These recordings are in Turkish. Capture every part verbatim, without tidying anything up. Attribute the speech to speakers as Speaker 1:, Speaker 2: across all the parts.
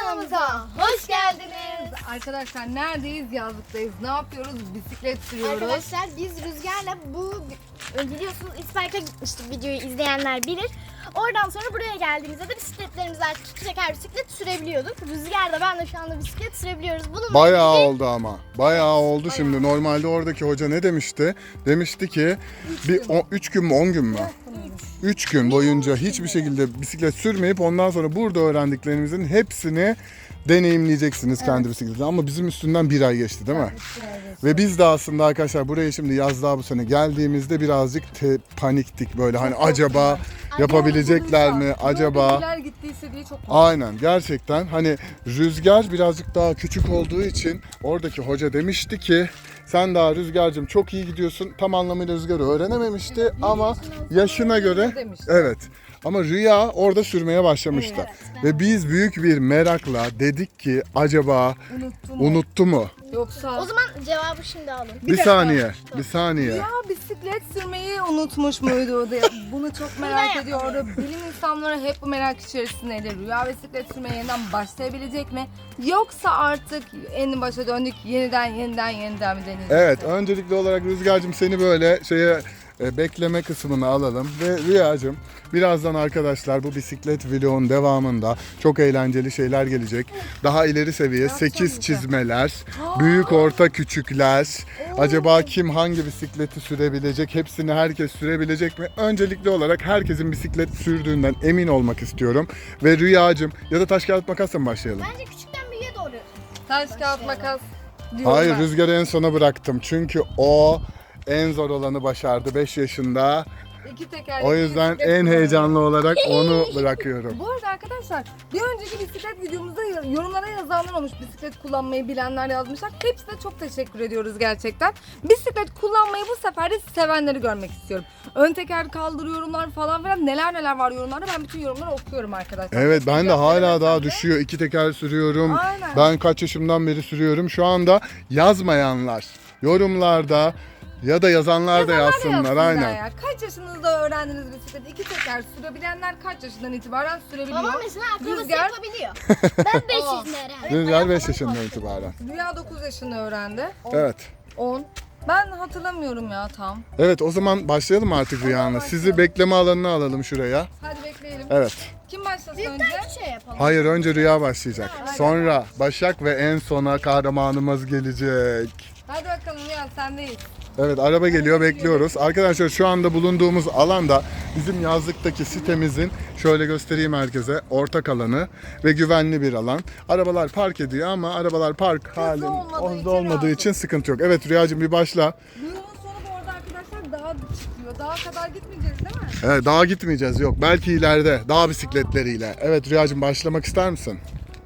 Speaker 1: kanalımıza hoş geldiniz.
Speaker 2: Arkadaşlar neredeyiz? Yazlıktayız. Ne yapıyoruz? Bisiklet sürüyoruz.
Speaker 1: Arkadaşlar biz Rüzgar'la bu biliyorsunuz İspark'a gitmiştik, videoyu izleyenler bilir. Oradan sonra buraya geldiğimizde de bisikletlerimizi artık iki teker bisiklet sürebiliyorduk. Rüzgar da ben de şu anda bisiklet sürebiliyoruz. Bunun
Speaker 3: Bayağı oldu ama. Bayağı oldu şimdi. Normalde oradaki hoca ne demişti? Demişti ki bir üç gün mü on gün mü? üç gün boyunca hiçbir şekilde bisiklet sürmeyip ondan sonra burada öğrendiklerimizin hepsini deneyimleyeceksiniz kendi bisikletinizi. Ama bizim üstünden bir ay geçti değil mi? Ve biz de aslında arkadaşlar buraya şimdi yazlığa bu sene geldiğimizde birazcık te- paniktik böyle hani acaba yapabilecekler mi acaba?
Speaker 2: Bizimkiler gittiyse diye çok
Speaker 3: Aynen gerçekten hani Rüzgar birazcık daha küçük olduğu için oradaki hoca demişti ki sen daha Rüzgar'cığım çok iyi gidiyorsun. Tam anlamıyla Rüzgar'ı öğrenememişti ama yaşına göre
Speaker 2: demişti.
Speaker 3: evet. Ama Rüya orada sürmeye başlamıştı.
Speaker 1: Evet,
Speaker 3: Ve biz büyük bir merakla dedik ki acaba
Speaker 2: Unuttum mu?
Speaker 3: unuttu mu?
Speaker 2: Yoksa
Speaker 1: O zaman cevabı şimdi alın.
Speaker 3: Bir saniye, bir saniye.
Speaker 2: ya bisiklet sürmeyi unutmuş muydu? Bunu çok merak ediyordu. Bilim insanları hep bu merak içerisindeydi. Rüya bisiklet sürmeye yeniden başlayabilecek mi? Yoksa artık en başa döndük, yeniden yeniden yeniden mi deneyeceğiz?
Speaker 3: Evet, öncelikli olarak Rüzgar'cığım seni böyle şeye e, bekleme kısmını alalım ve Rüyacığım birazdan arkadaşlar bu bisiklet vlogun devamında çok eğlenceli şeyler gelecek. Daha ileri seviye sekiz çizmeler, büyük orta küçükler. Acaba kim hangi bisikleti sürebilecek? Hepsini herkes sürebilecek mi? Öncelikli olarak herkesin bisiklet sürdüğünden emin olmak istiyorum. Ve Rüyacığım ya da taş kağıt makasla mı başlayalım?
Speaker 1: Bence küçükten büyüğe doğru.
Speaker 2: Taş kağıt makas diyorum
Speaker 3: Hayır,
Speaker 2: ben.
Speaker 3: Rüzgar'ı en sona bıraktım. Çünkü o en zor olanı başardı beş yaşında.
Speaker 2: İki tekerlekli
Speaker 3: O yüzden
Speaker 2: bisiklet
Speaker 3: en
Speaker 2: kullanıyorum.
Speaker 3: heyecanlı olarak onu bırakıyorum.
Speaker 2: Bu arada arkadaşlar bir önceki bisiklet videomuzda yorumlara yazanlar olmuş, bisiklet kullanmayı bilenler yazmışlar. Hepsine çok teşekkür ediyoruz gerçekten. Bisiklet kullanmayı bu sefer de sevenleri görmek istiyorum. Ön teker kaldırı yorumlar falan filan neler neler var yorumlarda, ben bütün yorumları okuyorum arkadaşlar.
Speaker 3: Evet, ben de
Speaker 2: Cevap
Speaker 3: hala
Speaker 2: veremesem
Speaker 3: daha
Speaker 2: de-
Speaker 3: düşüyor. İki teker sürüyorum.
Speaker 2: Aynen.
Speaker 3: Ben kaç yaşımdan beri sürüyorum. Şu anda yazmayanlar yorumlarda ya da yazanlar da
Speaker 2: Yazanlar da
Speaker 3: yazsınlar.
Speaker 2: yazsınlar
Speaker 3: Aynen.
Speaker 2: ya. Kaç yaşınızda öğrendiniz bisikleti? İki teker sürebilenler kaç yaşından itibaren sürebiliyor?
Speaker 1: Babam mesela akrobasi
Speaker 2: Rüzgar-
Speaker 1: yapabiliyor. Ben beş
Speaker 2: Aa.
Speaker 1: yaşında öğrendim.
Speaker 3: Rüzgar beş yaşından itibaren.
Speaker 2: Rüya dokuz yaşında öğrendi.
Speaker 3: Evet.
Speaker 2: on. Ben hatırlamıyorum ya tam.
Speaker 3: Evet, o zaman başlayalım artık Rüya'nın. Sizi bekleme alanına alalım şuraya.
Speaker 2: Hadi bekleyelim.
Speaker 3: Evet.
Speaker 2: Kim başlasın önce?
Speaker 1: Büyükten şey yapalım.
Speaker 3: Hayır, önce Rüya başlayacak. Sonra Başak ve en sona kahramanımız gelecek.
Speaker 2: Hadi bakalım Rüya sendeyiz.
Speaker 3: Evet, araba geliyor, bekliyoruz. Arkadaşlar şu anda bulunduğumuz alanda bizim yazlıktaki sitemizin, şöyle göstereyim herkese, ortak alanı ve güvenli bir alan. Arabalar park ediyor ama arabalar park hali
Speaker 2: olmadığı için
Speaker 3: hızlı olmadığı
Speaker 2: rahat.
Speaker 3: için sıkıntı yok. Evet Rüyacığım, bir başla.
Speaker 2: Yolun sonu bu arada arkadaşlar dağa çıkıyor. Dağa kadar gitmeyeceğiz değil mi?
Speaker 3: Evet, dağa gitmeyeceğiz, yok. Belki ileride dağ bisikletleriyle. Evet Rüyacığım, başlamak ister misin?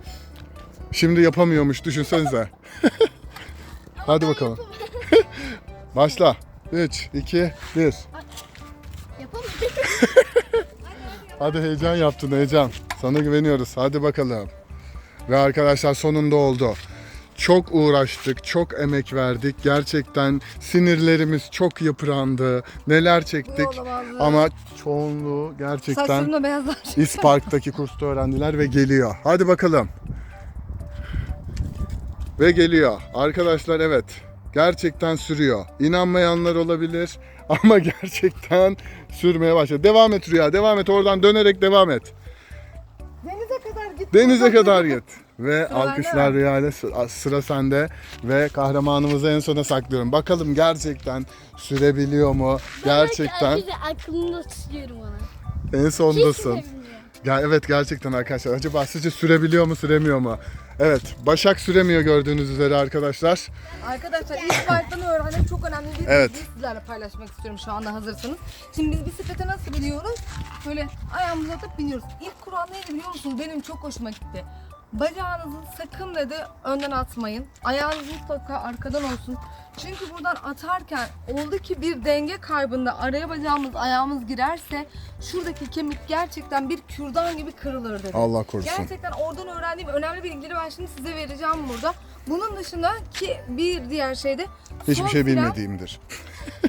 Speaker 3: Şimdi yapamıyormuş, düşünsenize. Hadi bakalım. Başla. üç, iki, bir.
Speaker 1: Yapamıyorum.
Speaker 3: Hadi, heyecan yaptın, heyecan. Sana güveniyoruz. Hadi bakalım. Ve arkadaşlar sonunda oldu. Çok uğraştık, çok emek verdik. Gerçekten sinirlerimiz çok yıprandı. Neler çektik.
Speaker 2: Bu olamaz.
Speaker 3: Ama çoğunluğu gerçekten
Speaker 2: Saçlarım da beyazlar.
Speaker 3: İspark'taki kursta öğrendiler ve geliyor. Hadi bakalım. Ve geliyor. Arkadaşlar evet. Gerçekten sürüyor. İnanmayanlar olabilir ama gerçekten sürmeye başladı. Devam et Rüya, devam et. Oradan dönerek devam et.
Speaker 2: Denize kadar git.
Speaker 3: Denize kadar git. Ve
Speaker 2: Sıra
Speaker 3: alkışlar
Speaker 2: bende mi?
Speaker 3: Rüya ile sıra, sıra sende. Ve kahramanımızı en sona saklıyorum. Bakalım gerçekten sürebiliyor mu? Gerçekten
Speaker 1: Arkadaşlar aklımda tutuyorum onu.
Speaker 3: en
Speaker 1: Hiç
Speaker 3: sondasın.
Speaker 1: sürebilmiyor.
Speaker 3: Ya evet, gerçekten arkadaşlar. Acaba sizce sürebiliyor mu, süremiyor mu? Evet, Başak süremiyor gördüğünüz üzere arkadaşlar.
Speaker 2: Arkadaşlar ilk baştan öğrendim, çok önemli bir
Speaker 3: Evet.
Speaker 2: bilgiyi sizlerle paylaşmak istiyorum şu anda hazırsanız. Şimdi biz bisiklete nasıl biniyoruz? Böyle ayağımızı atıp biniyoruz. İlk kural neydi biliyor musunuz? Benim çok hoşuma gitti. Bacağınızı sakın dedi önden atmayın. Ayağınız mutlaka arkadan olsun. Çünkü buradan atarken oldu ki bir denge kaybında araya bacağımız ayağımız girerse şuradaki kemik gerçekten bir kürdan gibi kırılır dedi.
Speaker 3: Allah korusun.
Speaker 2: Gerçekten oradan öğrendiğim önemli bilgileri ben şimdi size vereceğim burada. Bunun dışında ki bir diğer şey de
Speaker 3: Hiçbir
Speaker 2: son
Speaker 3: şey
Speaker 2: fren-
Speaker 3: bilmediğimdir.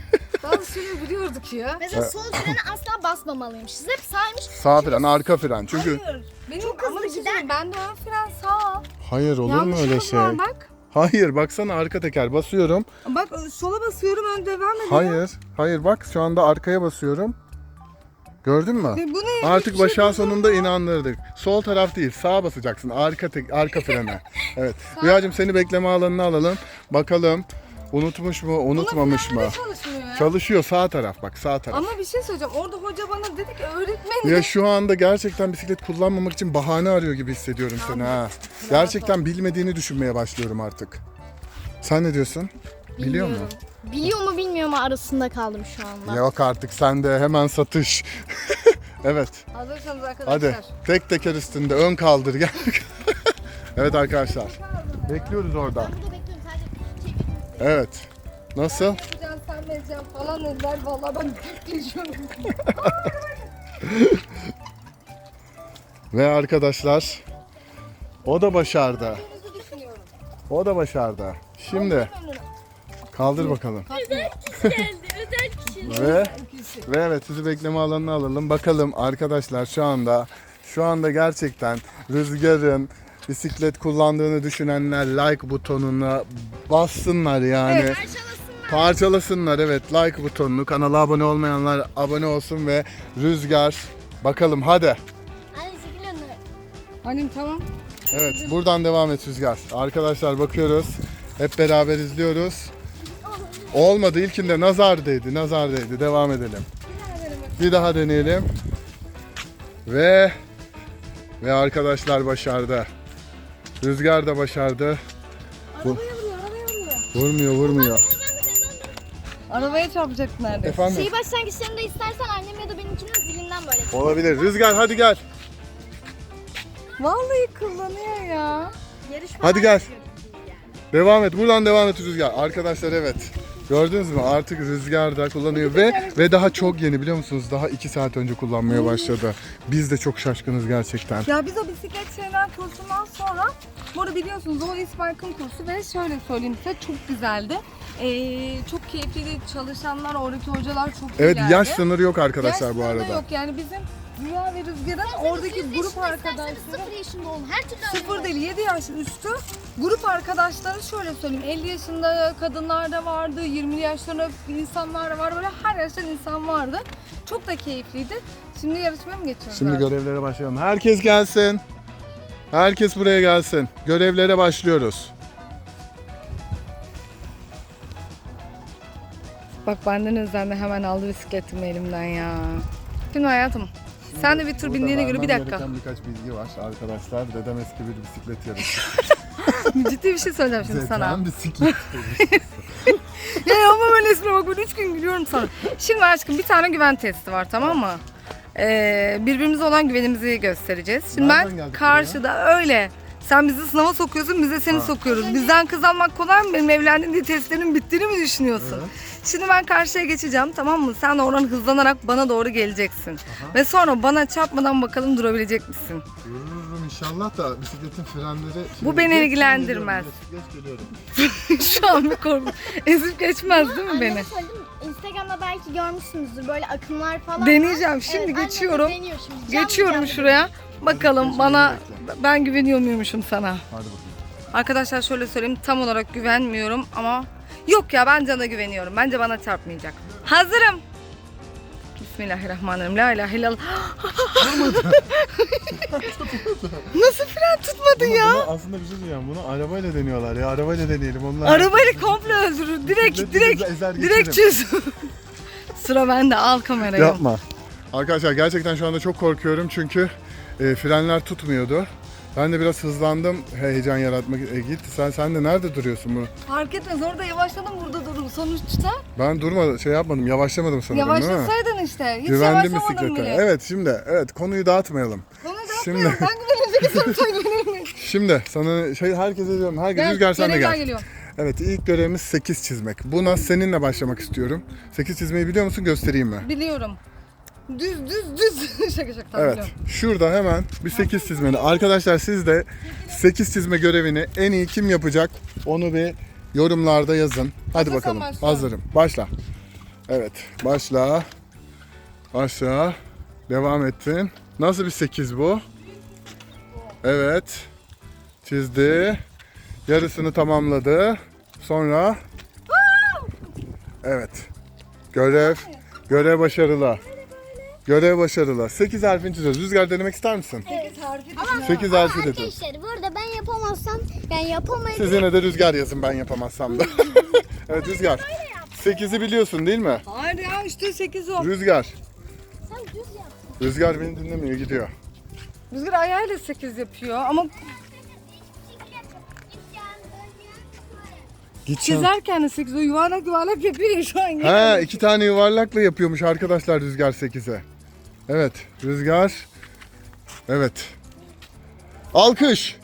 Speaker 2: Bazı şeyleri biliyorduk ya.
Speaker 1: Mesela sol frene asla basmamalıymışız. Hep saymış.
Speaker 3: Sağ fren, arka fren. Çünkü
Speaker 2: Hayır. Benim
Speaker 1: Çok
Speaker 2: ama
Speaker 1: hızlı
Speaker 2: bir şey
Speaker 1: gider.
Speaker 2: söyleyeyim, bende ön fren sağ.
Speaker 3: hayır olur
Speaker 2: Yanlış
Speaker 3: mu öyle
Speaker 2: hız
Speaker 3: şey?
Speaker 2: var bak.
Speaker 3: Hayır baksana arka teker basıyorum.
Speaker 2: Bak sola basıyorum ön devam ediyor.
Speaker 3: Hayır. Hayır bak şu anda arkaya basıyorum. Gördün mü?
Speaker 2: Ne, bu ne?
Speaker 3: Artık
Speaker 2: Hiçbir şey
Speaker 3: başa sonunda
Speaker 2: bilmiyorum.
Speaker 3: inandırdık. Sol taraf değil, sağa basacaksın. Arka tek, arka frene. Evet. Rüyacığım seni bekleme alanına alalım. Bakalım unutmuş mu, unutmamış mı?
Speaker 2: Buna çalışmıyor ya.
Speaker 3: Çalışıyor sağ taraf bak, sağ taraf.
Speaker 2: Ama bir şey söyleyeceğim. Orada hoca bana dedi ki öğretmenim.
Speaker 3: Ya şu anda gerçekten bisiklet kullanmamak için bahane arıyor gibi hissediyorum seni ha. Gerçekten bilmediğini düşünmeye başlıyorum artık. Sen ne diyorsun? Biliyor musun?
Speaker 1: Biliyor mu bilmiyor mu arasında kaldım şu anda.
Speaker 3: Yok artık sen de hemen satış. Evet.
Speaker 2: Hazırsanız arkadaşlar.
Speaker 3: Hadi tek teker üstünde ön kaldır gel. Evet arkadaşlar. Bekliyoruz orada.
Speaker 1: Ben burada bekliyorum sadece çekeyim.
Speaker 3: Evet. Nasıl?
Speaker 2: Yapacaksın sen vereceğim falan dediler. Vallahi ben geçiyorum.
Speaker 3: Ve arkadaşlar o da başardı. O da başardı. Şimdi kaldır bakalım.
Speaker 1: Geldi özel kişi.
Speaker 3: Ve ve evet sizi bekleme alanına alalım. Bakalım arkadaşlar şu anda şu anda gerçekten Rüzgar'ın bisiklet kullandığını düşünenler like butonuna bassınlar yani.
Speaker 2: Evet.
Speaker 1: Parçalasınlar.
Speaker 3: Parçalasınlar evet like butonunu. Kanala abone olmayanlar abone olsun ve Rüzgar bakalım hadi.
Speaker 1: Hadi çekil önüne.
Speaker 2: Annem tamam.
Speaker 3: Evet buradan devam et Rüzgar. Arkadaşlar bakıyoruz. Hep beraber izliyoruz. Olmadı ilkinde nazar değdi. Nazar değdi. Devam edelim. Bir daha deneyelim. Ve ve arkadaşlar başardı. Rüzgar da başardı. Bu-
Speaker 2: Arabaya vuruyor, arabaya vuruyor.
Speaker 3: Vurmuyor vurmuyor.
Speaker 2: Arabaya çarpacak neredeyse.
Speaker 3: Efendim?
Speaker 1: Şeyi başlangıçlarında istersen annem ya da benimkinin zilinden böyle.
Speaker 3: Olabilir. Rüzgar hadi gel.
Speaker 2: Vallahi kullanıyor ya.
Speaker 1: Yarış falan
Speaker 3: Hadi gel.
Speaker 1: yapıyor gibi yani.
Speaker 3: Devam et. Buradan devam et Rüzgar. Arkadaşlar evet. Gördünüz mü? Artık Rüzgar da kullanıyor ve ve daha çok yeni biliyor musunuz? Daha iki saat önce kullanmaya başladı. Biz de çok şaşkınız gerçekten.
Speaker 2: Ya biz o bisiklet şeyler kursundan sonra, bu arada biliyorsunuz o İsmail'in kursu ve şöyle söyleyeyim size çok güzeldi. Ee, çok keyifliydi. Çalışanlar, oradaki hocalar çok
Speaker 3: Evet
Speaker 2: iyilerdi.
Speaker 3: yaş sınırı yok
Speaker 2: Yaş
Speaker 3: arkadaşlar bu
Speaker 2: sınırı da
Speaker 3: arada.
Speaker 2: yok yani bizim Rüya ve Rüzgar'ın oradaki
Speaker 1: Siz
Speaker 2: grup
Speaker 1: yaşında
Speaker 2: arkadaşları
Speaker 1: isterseniz sıfır yaşında olun. Her türlü
Speaker 2: sıfır
Speaker 1: öğrenin.
Speaker 2: değil yedi yaş üstü grup arkadaşları şöyle söyleyeyim elli yaşında kadınlar da vardı, yirmi yaşlarında insanlar da var, böyle her yaştan insan vardı. Çok da keyifliydi. Şimdi yarışmaya mı geçiyoruz?
Speaker 3: Şimdi
Speaker 2: abi?
Speaker 3: görevlere başlayalım. Herkes gelsin. Herkes buraya gelsin. Görevlere başlıyoruz.
Speaker 2: Bak benden özendi hemen aldı bisikletimi elimden ya. Şimdi hayatım sen de bir tur bindiğine göre bir
Speaker 3: Vermem
Speaker 2: dakika.
Speaker 3: gereken birkaç bilgi var arkadaşlar. Dedem eski bir bisiklet yarışı.
Speaker 2: Ciddi bir şey söyleyeceğim şimdi sana.
Speaker 3: Dedem bisiklet.
Speaker 2: Ya ama böyle esme bak ben üç gün gülüyorum sana. Şimdi aşkım bir tane güven testi var tamam mı? Ee, birbirimize olan güvenimizi göstereceğiz. Şimdi
Speaker 3: Nereden
Speaker 2: ben
Speaker 3: geldik
Speaker 2: karşıda öyle. Sen bizi sınava sokuyorsun, biz de seni
Speaker 3: Ha.
Speaker 2: sokuyoruz. Bizden kız almak kolay mı? Benim evlendiğim diye testlerin bittiğini mi düşünüyorsun?
Speaker 3: Evet.
Speaker 2: Şimdi ben karşıya geçeceğim tamam mı? Sen de oradan hızlanarak bana doğru geleceksin. Ve sonra bana çarpmadan bakalım durabilecek misin?
Speaker 3: Dururum inşallah da bisikletin frenleri...
Speaker 2: Bu beni
Speaker 3: Geç,
Speaker 2: ilgilendirmez.
Speaker 3: geliyorum, geç, geliyorum.
Speaker 2: Şu an bir korku. Ezip geçmez değil mi
Speaker 1: Anneme
Speaker 2: beni?
Speaker 1: söyledim. Instagram'da belki görmüşsünüzdür böyle akımlar falan.
Speaker 2: Deneyeceğim.
Speaker 1: var.
Speaker 2: Şimdi
Speaker 1: Evet, annem de
Speaker 2: geçiyorum.
Speaker 1: deniyor şimdi. Canlı
Speaker 2: Geçiyorum
Speaker 1: canlı.
Speaker 2: şuraya. Bakalım
Speaker 3: Hadi
Speaker 2: bana
Speaker 3: geçmeni
Speaker 2: ben güveniyor muymuşum sana?
Speaker 3: Hadi bakalım.
Speaker 2: Arkadaşlar şöyle söyleyeyim tam olarak güvenmiyorum ama yok ya ben Can'a güveniyorum. Bence bana çarpmayacak. Hazırım. Bismillahirrahmanirrahim. La ilahe illallah. Nasıl fren tutmadı ya?
Speaker 3: Bunu aslında bir şey diyeceğim. Bunu arabayla deniyorlar ya. Arabayla deneyelim. Onlar
Speaker 2: Arabayla komple öldürür. Direkt
Speaker 3: Bisiklet
Speaker 2: direkt
Speaker 3: bizi ezer
Speaker 2: direkt
Speaker 3: geçerim.
Speaker 2: çöz. Sıra bende. Al kamerayı.
Speaker 3: Yapma. Arkadaşlar gerçekten şu anda çok korkuyorum çünkü e, frenler tutmuyordu. Ben de biraz hızlandım heyecan yaratmak. E, git sen sen de nerede duruyorsun bunu?
Speaker 2: Fark etmez. Orada yavaşladım, burada durdum. Sonuçta
Speaker 3: Ben durmadım, şey yapmadım, yavaşlamadım sanırım değil mi?
Speaker 2: yavaşlasaydın işte. Hiç
Speaker 3: Güvendim
Speaker 2: yavaşlamadım
Speaker 3: bisiklete.
Speaker 2: bile.
Speaker 3: Evet şimdi, evet konuyu dağıtmayalım.
Speaker 2: Onu da
Speaker 3: Şimdi-
Speaker 2: yapmıyorum. Ben güveneceksem sen güvenilmeyin.
Speaker 3: Şimdi sana şey herkese diyorum, herkes
Speaker 2: Gel,
Speaker 3: Rüzgar sen de
Speaker 2: görevler
Speaker 3: gel.
Speaker 2: geliyor.
Speaker 3: Evet ilk görevimiz sekiz çizmek. Buna seninle başlamak istiyorum. sekiz çizmeyi biliyor musun? Göstereyim mi?
Speaker 2: Biliyorum. Düz düz düz. şaka şaka tamam
Speaker 3: Evet.
Speaker 2: biliyorum.
Speaker 3: Şurada hemen bir sekiz çizmeni. Arkadaşlar siz de sekiz çizme görevini en iyi kim yapacak? Onu bir yorumlarda yazın. Hadi
Speaker 2: Hazırsan
Speaker 3: bakalım.
Speaker 2: başla.
Speaker 3: Hazırım. Başla. Evet, başla. Başla. Devam ettin. Nasıl bir sekiz bu? Evet. Çizdi. Yarısını tamamladı. Sonra evet. Görev görev başarılı. Görev başarılı. sekiz harfini çiziyoruz. Rüzgar denemek ister misin?
Speaker 2: sekiz harfi
Speaker 1: Ama,
Speaker 3: sekiz
Speaker 1: ama
Speaker 3: harfi dedi.
Speaker 1: arkadaşlar burada ben yapamazsam yani yapamayız.
Speaker 3: Siz yine de Rüzgar yazın, ben yapamazsam da. Evet Rüzgar. sekizi biliyorsun değil mi?
Speaker 2: Hayır ya işte sekiz o.
Speaker 3: Rüzgar.
Speaker 1: Sen düz yap.
Speaker 3: Rüzgar beni dinlemiyor, gidiyor.
Speaker 2: Rüzgar ayağıyla sekiz yapıyor ama
Speaker 3: Gideceğim.
Speaker 2: çizerken de sekiz o yuvarlak yuvarlak yapıyor ya şu an.
Speaker 3: Ha, iki tane yuvarlakla yapıyormuş arkadaşlar Rüzgar sekize. Evet, Rüzgar. Evet. Alkış.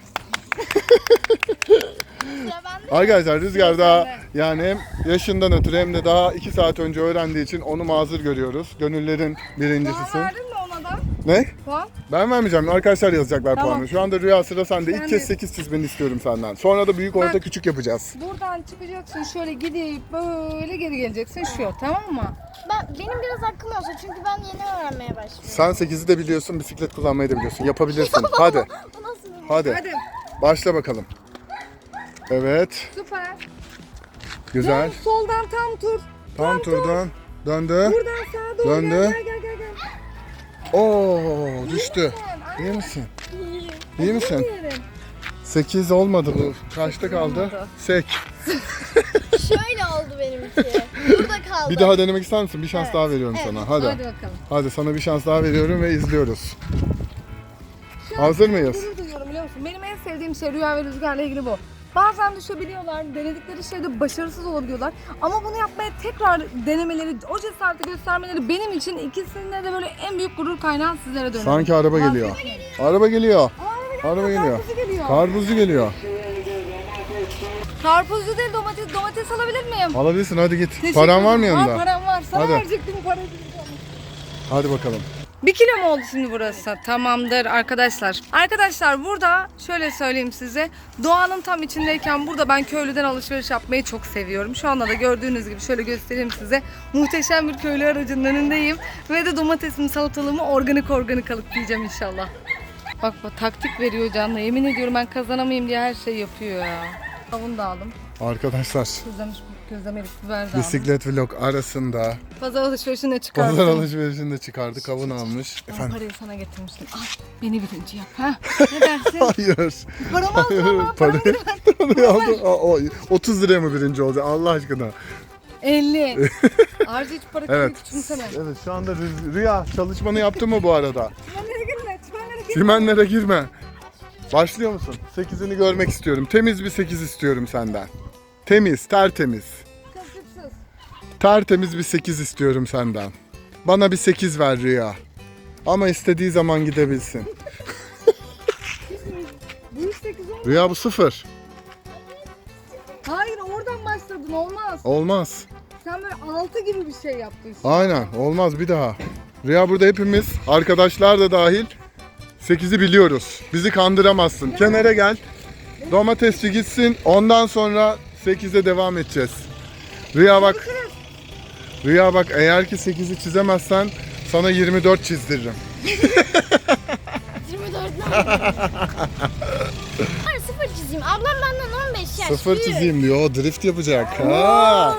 Speaker 1: Sıra bende.
Speaker 3: Arkadaşlar Rüzgar daha yani hem yaşından ötürü hem de daha iki saat önce öğrendiği için onu mazur görüyoruz. Gönüllerin
Speaker 2: Puan
Speaker 3: birincisisin.
Speaker 2: verdin mi ona da?
Speaker 3: Ne?
Speaker 2: Puan?
Speaker 3: Ben vermeyeceğim. Arkadaşlar yazacaklar
Speaker 2: Tamam.
Speaker 3: puanı. Şu anda Rüya sıra sende.
Speaker 2: Sen
Speaker 3: İlk
Speaker 2: de-
Speaker 3: kez sekiz çizmeni istiyorum senden. Sonra da büyük, orta,
Speaker 2: Bak.
Speaker 3: küçük yapacağız.
Speaker 2: Buradan çıkacaksın şöyle gidip böyle geri geleceksin şu tamam mı?
Speaker 1: Ben, benim biraz hakkım olsa çünkü ben yeni öğrenmeye başlıyorum.
Speaker 3: Sen sekizi de biliyorsun, bisiklet kullanmayı da biliyorsun. Yapabilirsin. Hadi.
Speaker 1: Bu nasıl bir...
Speaker 3: Hadi.
Speaker 2: Hadi
Speaker 3: Başla bakalım. Evet.
Speaker 2: süper.
Speaker 3: Güzel.
Speaker 2: Dön, soldan tam tur.
Speaker 3: Tam turdan döndü.
Speaker 2: Buradan sağa doğru
Speaker 3: Döndü.
Speaker 2: gel gel gel gel. gel.
Speaker 3: Oo, düştü. İyi misin? İyi misin?
Speaker 2: Yerim.
Speaker 3: sekiz olmadı bu. Kaçta kaldı?
Speaker 2: olmadı.
Speaker 3: Sek.
Speaker 1: Şöyle oldu benimki. Burada kaldı.
Speaker 3: Bir daha denemek ister misin? Bir şans
Speaker 1: Evet.
Speaker 3: daha veriyorum
Speaker 1: Evet.
Speaker 3: sana. Hadi.
Speaker 2: Hadi bakalım.
Speaker 3: Hadi sana bir şans daha veriyorum ve izliyoruz.
Speaker 2: Şu an
Speaker 3: Hazır mıyız?
Speaker 2: Gurur duyuyorum biliyor musun? Benim en sevdiğim şey Rüya ve Rüzgar'la ilgili bu. Bazen düşebiliyorlar, denedikleri şeyde başarısız olabiliyorlar. Ama bunu yapmaya tekrar denemeleri, o cesareti göstermeleri benim için ikisinde de böyle en büyük gurur kaynağı sizlere dönüyor.
Speaker 3: Sanki araba geliyor. Araba geliyor.
Speaker 2: Aa,
Speaker 3: Araba geliyor.
Speaker 2: Karpuzu geliyor.
Speaker 3: Karpuzcu geliyor.
Speaker 2: Karpuzlu değil domates, domates alabilir miyim?
Speaker 3: Alabilirsin, hadi git.
Speaker 2: Teşekkür
Speaker 3: Paran var mı
Speaker 2: ederim.
Speaker 3: yanında?
Speaker 2: Var param var. Sana
Speaker 3: Hadi.
Speaker 2: verecektim parayı.
Speaker 3: Hadi bakalım.
Speaker 2: Bir kilo mu oldu şimdi burası? Tamamdır arkadaşlar. Arkadaşlar burada şöyle söyleyeyim size. Doğanın tam içindeyken burada ben köylüden alışveriş yapmayı çok seviyorum. Şu anda da gördüğünüz gibi şöyle göstereyim size. Muhteşem bir köylü aracının önündeyim. Ve de domatesimi, salatalığımı organik organik alıp yiyeceğim inşallah. Bak bak taktik veriyor Can'la. Yemin ediyorum ben kazanamayayım diye her şey yapıyor ya. Kavun da aldım.
Speaker 3: Arkadaşlar
Speaker 2: Közlemiş, közlemelik biber de aldım.
Speaker 3: bisiklet vlog arasında
Speaker 2: Pazar alışverişine çıkardım.
Speaker 3: pazar alışverişinde çıkardı, kavun almış.
Speaker 2: Ben
Speaker 3: Efendim?
Speaker 2: parayı sana getirmiştim. Al beni birinci yap ha. Ne dersin?
Speaker 3: Hayır.
Speaker 2: Paramı aldın ama paramı
Speaker 3: Parayı,
Speaker 2: geri ver.
Speaker 3: parayı aldı. Aa, o, otuz liraya mı birinci olacak Allah aşkına?
Speaker 2: elli. Ayrıca hiç para
Speaker 3: Evet.
Speaker 2: evet. küçümseme.
Speaker 3: Evet, şu anda Rü- Rüya çalışmanı yaptın mı bu arada?
Speaker 2: Çimenlere girme, çimenlere girme.
Speaker 3: Çimenlere girme. Başlıyor musun? sekizini görmek istiyorum. Temiz bir sekiz istiyorum senden. Temiz, tertemiz.
Speaker 2: Kasıpsız.
Speaker 3: Tertemiz bir sekiz istiyorum senden. Bana bir sekiz ver Rüya. Ama istediği zaman gidebilsin.
Speaker 2: Bu iş sekiz olmaz.
Speaker 3: Rüya bu sıfır.
Speaker 2: Hayır oradan başladın olmaz.
Speaker 3: Olmaz.
Speaker 2: Sen böyle altı gibi bir şey yaptın.
Speaker 3: Aynen, olmaz bir daha. Rüya burada hepimiz, arkadaşlar da dahil sekizi biliyoruz. Bizi kandıramazsın. Kenara gel. Domatesçi gitsin. Ondan sonra sekize devam edeceğiz. Rüya bak. Rüya bak, eğer ki sekizi çizemezsen sana yirmi dört çizdiririm.
Speaker 1: yirmi dört ne Hayır sıfır çizeyim. Ablam benden on beş yaş
Speaker 3: Sıfır
Speaker 1: büyük.
Speaker 3: çizeyim diyor. O drift yapacak. Ha.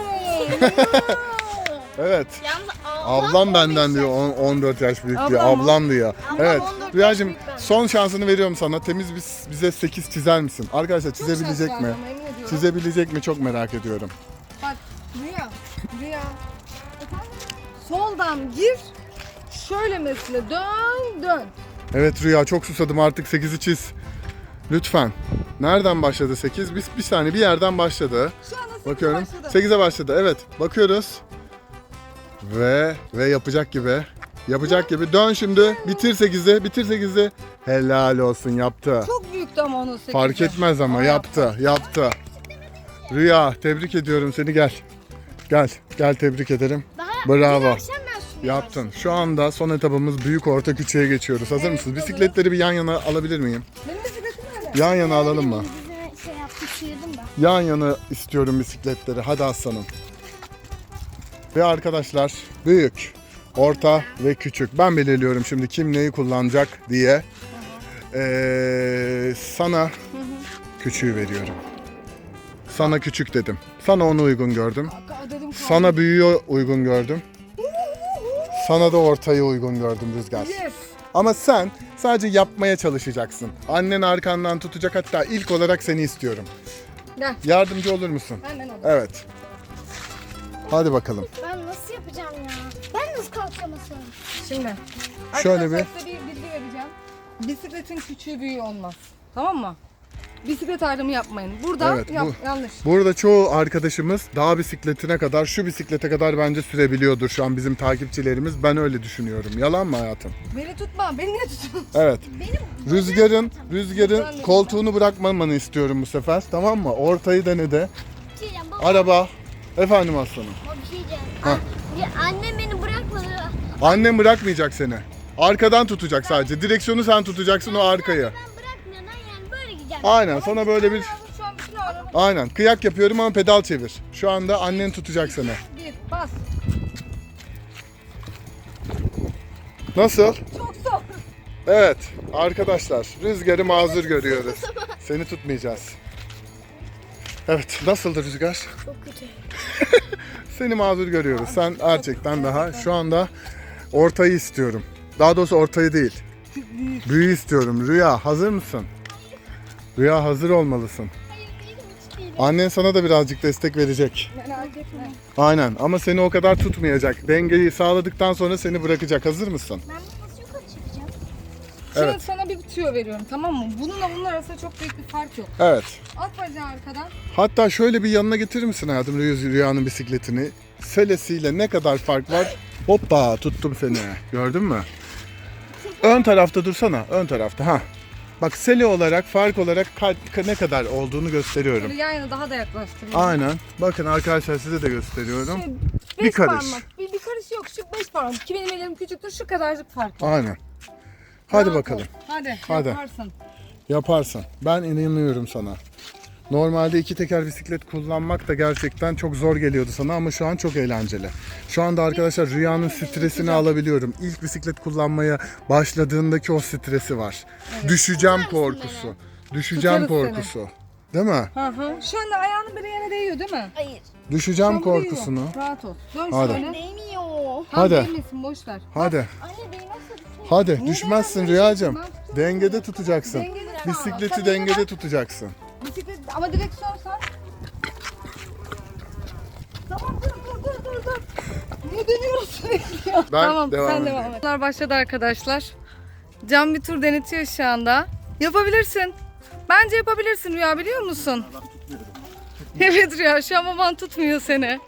Speaker 3: Evet.
Speaker 1: Yalnız ablam,
Speaker 3: Ablam
Speaker 1: on
Speaker 3: benden
Speaker 1: beş
Speaker 3: diyor.
Speaker 1: yaş.
Speaker 3: on- 14 yaş büyük diyor.
Speaker 2: Ablam mı?
Speaker 3: Ablam diyor.
Speaker 1: Ablam
Speaker 3: Evet.
Speaker 1: on dört yaş
Speaker 3: Rüyacığım
Speaker 1: büyük benden.
Speaker 3: son şansını veriyorum sana. Temiz bir- bize sekiz çizer misin? Arkadaşlar çizebilecek
Speaker 2: Çok
Speaker 3: mi?
Speaker 2: şaşırdım, emin ediyorum.
Speaker 3: Çizebilecek mi? Çok merak ediyorum.
Speaker 2: Bak Rüya, Rüya. Soldan gir. Şöyle mesela dön dön.
Speaker 3: Evet Rüya, çok susadım, artık sekizi çiz. Lütfen. Nereden başladı sekiz? Biz bir saniye bir yerden başladı.
Speaker 2: Şu anda sekize
Speaker 3: Bakıyorum.
Speaker 2: başladı.
Speaker 3: sekize başladı. Evet. Bakıyoruz. Ve ve yapacak gibi. Yapacak gibi. Dön şimdi. Bitir sekizi. Bitir sekizi. Helal olsun, yaptı.
Speaker 2: Çok büyüktü ama onun sekizi.
Speaker 3: Fark etmez ama yaptı. Yaptı. Rüya, tebrik ediyorum seni, gel. Gel. Gel, tebrik ederim.
Speaker 1: Daha
Speaker 3: Bravo.
Speaker 1: dün akşam ben şunu
Speaker 3: Yaptın. Şu anda son etabımız büyük, orta, küçüğe geçiyoruz. Hazır mısınız? Bisikletleri bir yan yana alabilir miyim?
Speaker 2: Benim bisikletim öyle.
Speaker 3: Yan yana alalım mı?
Speaker 1: Bize şey yaptım, çığırdım da.
Speaker 3: Yan yana istiyorum bisikletleri. Hadi aslanım. Ve arkadaşlar büyük, orta ve küçük. Ben belirliyorum şimdi kim neyi kullanacak diye. Ee, sana küçüğü veriyorum. Sana küçük dedim. Sana onu uygun gördüm.
Speaker 2: Dedim,
Speaker 3: Sana büyüğü uygun gördüm. Sana da ortayı uygun gördüm Rüzgar.
Speaker 2: yes.
Speaker 3: Ama sen sadece yapmaya çalışacaksın. Annen arkandan tutacak, hatta ilk olarak seni istiyorum.
Speaker 2: Gel.
Speaker 3: Yardımcı olur musun?
Speaker 2: Hemen al.
Speaker 3: Evet. Hadi bakalım.
Speaker 1: Ben nasıl yapacağım ya? Ben nasıl kalkamasın?
Speaker 2: Şimdi.
Speaker 3: Şöyle
Speaker 2: Arkadaşlar
Speaker 3: bir-
Speaker 2: size bir bilgi vereceğim. Bisikletin küçüğü büyüğü olmaz. Tamam mı? Bisiklet ayrımı yapmayın. Burada
Speaker 3: Evet,
Speaker 2: yap-
Speaker 3: bu-
Speaker 2: yanlış.
Speaker 3: Burada çoğu arkadaşımız dağ bisikletine kadar, şu bisiklete kadar bence sürebiliyordur şu an bizim takipçilerimiz. Ben öyle düşünüyorum. Yalan mı hayatım?
Speaker 2: Beni tutma. Beni niye tutuyorsun?
Speaker 3: Evet. Rüzgar'ın Rüzgar'ın
Speaker 2: Ben de-
Speaker 3: koltuğunu bırakmamanı istiyorum bu sefer. Tamam mı? Ortayı denede.
Speaker 1: Bir şey diyeceğim baba.
Speaker 3: Araba. Efendim aslanım.
Speaker 1: Baba bir şey diyeceğim.
Speaker 3: Ha.
Speaker 1: Ya annem beni bırakmadı.
Speaker 3: Annem bırakmayacak seni. Arkadan tutacak sadece. Direksiyonu sen tutacaksın, o arkayı.
Speaker 1: Ben bırakmıyorum ben yani böyle gideceğim.
Speaker 3: Aynen, sana böyle bir...
Speaker 2: Şu an bütün ağrımı.
Speaker 3: Aynen, kıyak yapıyorum ama pedal çevir. Şu anda annen tutacak seni.
Speaker 2: Bir bas.
Speaker 3: Nasıl?
Speaker 2: Çok zor.
Speaker 3: Evet arkadaşlar, Rüzgar'ı mazur görüyoruz. Seni tutmayacağız. Evet, nasıldı Rüzgar?
Speaker 1: Çok kötü.
Speaker 3: Seni mazur görüyoruz. Sen gerçekten daha şu anda ortayı istiyorum. Daha doğrusu ortayı değil. Büyüğü istiyorum. Rüya hazır mısın? Rüya hazır olmalısın.
Speaker 1: Hayır değilim hiç değilim.
Speaker 3: Annen sana da birazcık destek verecek.
Speaker 2: Merak etme.
Speaker 3: Aynen, ama seni o kadar tutmayacak. Dengeyi sağladıktan sonra seni bırakacak. Hazır mısın?
Speaker 1: Ben bunu nasıl yukarı çıkacağım?
Speaker 2: Şimdi
Speaker 3: Evet.
Speaker 2: sana bir tüyo veriyorum, tamam mı? Bununla bunun arasında çok büyük bir fark yok.
Speaker 3: Evet.
Speaker 2: At bacağı arkadan.
Speaker 3: Hatta şöyle bir yanına getirir misin hayatım Rüya- Rüya'nın bisikletini? Selesiyle ne kadar fark var? Hoppa, tuttum seni. Gördün mü? Ön tarafta dursana. Ön tarafta. Ha. Bak, sele olarak, fark olarak ka- ne kadar olduğunu gösteriyorum.
Speaker 2: Böyle yan yana daha da yaklaştırayım.
Speaker 3: Aynen. Bakın arkadaşlar, size de gösteriyorum.
Speaker 2: Beş
Speaker 3: Bir karış.
Speaker 2: Parmak. Bir, bir karış yok. Şu beş parmak. Ki benim elim küçüktür. Şu kadarcık fark var.
Speaker 3: Aynen. Hadi
Speaker 2: Rahat
Speaker 3: bakalım.
Speaker 2: ol. Hadi,
Speaker 3: Hadi.
Speaker 2: yaparsın.
Speaker 3: Yaparsın. Ben inanıyorum sana. Normalde iki teker bisiklet kullanmak da gerçekten çok zor geliyordu sana ama şu an çok eğlenceli. Şu anda arkadaşlar Rüya'nın stresini alabiliyorum. İlk bisiklet kullanmaya başladığındaki o stresi var. Düşeceğim korkusu. Düşeceğim
Speaker 2: Tutarız seni.
Speaker 3: korkusu. Değil mi?
Speaker 2: Hı hı. Şu anda ayağının biri yere değiyor değil mi?
Speaker 1: Hayır.
Speaker 3: Düşeceğim
Speaker 2: Şu an değiyor.
Speaker 3: korkusunu.
Speaker 2: Rahat ol. Dön
Speaker 3: Hadi.
Speaker 2: şöyle.
Speaker 1: Değmiyor.
Speaker 2: Tam
Speaker 3: Hadi.
Speaker 2: değmesin, boş ver.
Speaker 3: Hadi.
Speaker 1: Anne değmezse düşün.
Speaker 3: Hadi
Speaker 2: Niye
Speaker 3: düşmezsin
Speaker 2: değmezsin?
Speaker 3: Rüyacığım.
Speaker 2: Ben tutuyorum.
Speaker 3: Dengede tutacaksın.
Speaker 2: Dengede kal.
Speaker 3: Bisikleti
Speaker 2: Sen
Speaker 3: dengede
Speaker 2: bak.
Speaker 3: tutacaksın.
Speaker 2: Bisiklet ama direksiyon sen. Tamam, dur dur dur dur dur. Niye dönüyoruz sürekli ya?
Speaker 3: Ben
Speaker 2: Tamam,
Speaker 3: devam
Speaker 2: sen
Speaker 3: edeyim.
Speaker 2: devam et. Bunlar başladı arkadaşlar. Can bir tur denetiyor şu anda. Yapabilirsin. Bence yapabilirsin Rüya, biliyor musun? Evet Rüya, şu an baban tutmuyor seni.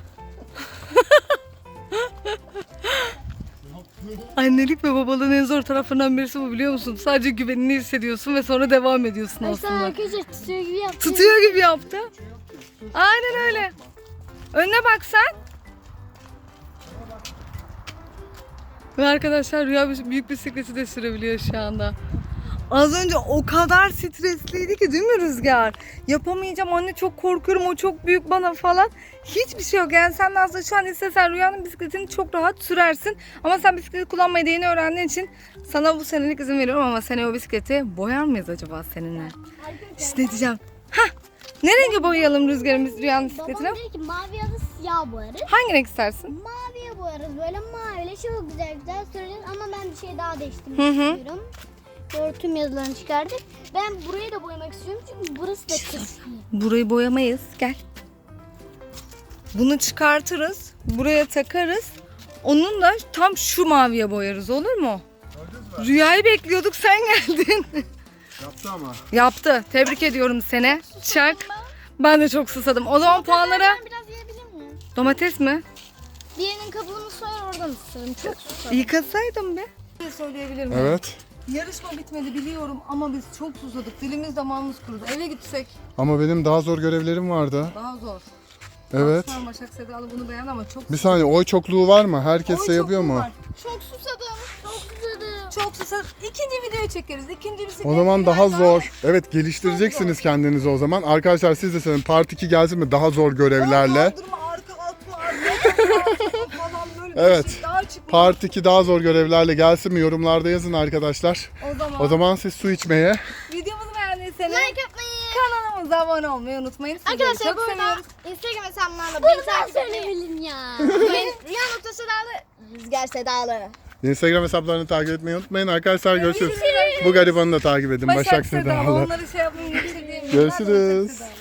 Speaker 2: Annelik ve babalığın en zor taraflarından birisi bu, biliyor musun? Sadece güvenini hissediyorsun ve sonra devam ediyorsun aslında.
Speaker 1: Arkadaşlar tutuyor gibi yaptı.
Speaker 2: Tutuyor gibi yaptı. Aynen öyle. Önüne bak sen. Ve arkadaşlar Rüya büyük bisikleti de sürebiliyor şu anda. Az önce o kadar stresliydi ki, değil mi Rüzgar? Yapamayacağım anne, çok korkuyorum, o çok büyük bana falan. Hiçbir şey yok yani, sen de aslında şu an istesen Rüya'nın bisikletini çok rahat sürersin. Ama sen bisikleti kullanmayı da yeni öğrendiğin için sana bu senelik izin veriyorum, ama seneye o bisikleti boyar mıyız acaba seninle? İşte ne diyeceğim. Hah! Ne rengi boyayalım Rüzgar'ın biz Rüya'nın bisikletini?
Speaker 1: Babam dedi ki mavi ya da siyah boyarız.
Speaker 2: Hangi renk istersin?
Speaker 1: Maviye boyarız böyle maviyle çok güzel güzel süreriz ama ben bir şey daha değiştirmek
Speaker 2: Hı hı.
Speaker 1: istiyorum. Doğru, tüm yazılarını çıkardık. Ben burayı da boyamak istiyorum çünkü burası da kısmı.
Speaker 2: Burayı boyamayız. Gel. Bunu çıkartırız. Buraya takarız. Onun da tam şu maviye boyarız, olur mu? Rüyayı bekliyorduk, sen geldin.
Speaker 3: Yaptı ama.
Speaker 2: Yaptı. Tebrik ediyorum seni. Çak. Ben de çok susadım. O zaman puanlara
Speaker 1: Ben biraz yiyebilir miyim?
Speaker 2: domates mi?
Speaker 1: Birinin kabuğunu soyar oradan ısırırım. Çok susadım.
Speaker 2: Yıkasaydım be. Söyleyebilir miyim?
Speaker 3: Evet.
Speaker 2: Yarışma bitmedi biliyorum ama biz çok susadık. Dilimiz damağımız kurudu. Eve gitsek
Speaker 3: Ama benim daha zor görevlerim vardı.
Speaker 2: daha zor.
Speaker 3: Evet.
Speaker 2: Aslan Başak Sedalı bunu beğendi ama çok
Speaker 3: Bir saniye, oy çokluğu var mı? Herkes
Speaker 2: Oy
Speaker 3: şey yapıyor
Speaker 2: çokluğu
Speaker 3: mu?
Speaker 2: var.
Speaker 1: Çok susadım. Çok susadım.
Speaker 2: Çok susadık. İkinci video çekeriz. İkinci bisiklet.
Speaker 3: O zaman daha
Speaker 2: biraz
Speaker 3: zor. Evet, geliştireceksiniz kendinizi o zaman. Arkadaşlar siz de söyleyin, part iki gelsin mi daha zor görevlerle.
Speaker 2: Kaldırma, arka atma, arka atma.
Speaker 3: Evet.
Speaker 2: Daha çıkmış.
Speaker 3: Part iki daha zor görevlerle gelsin mi? Yorumlarda yazın arkadaşlar.
Speaker 2: O zaman,
Speaker 3: O zaman siz su içmeye.
Speaker 2: videomuzu beğendiyseniz
Speaker 1: Like yapmayı.
Speaker 2: kanalımıza abone olmayı unutmayın. Sizleri
Speaker 1: Arkadaşlar
Speaker 2: çok
Speaker 1: bu arada
Speaker 2: seviyoruz.
Speaker 1: Instagram hesabımdan da beni takip etmeyi.
Speaker 4: Söyleyelim ya.
Speaker 1: unutmayın. Rüya nokta Sedalı, Rüzgar Sedalı.
Speaker 3: Instagram hesaplarını takip etmeyi unutmayın. Arkadaşlar görüşürüz. Bu garibanı da takip edin. Başak,
Speaker 2: Başak Sedalı.
Speaker 3: Sedalı.
Speaker 2: Onları şey yapın geçirdiğim.
Speaker 3: Görüşürüz.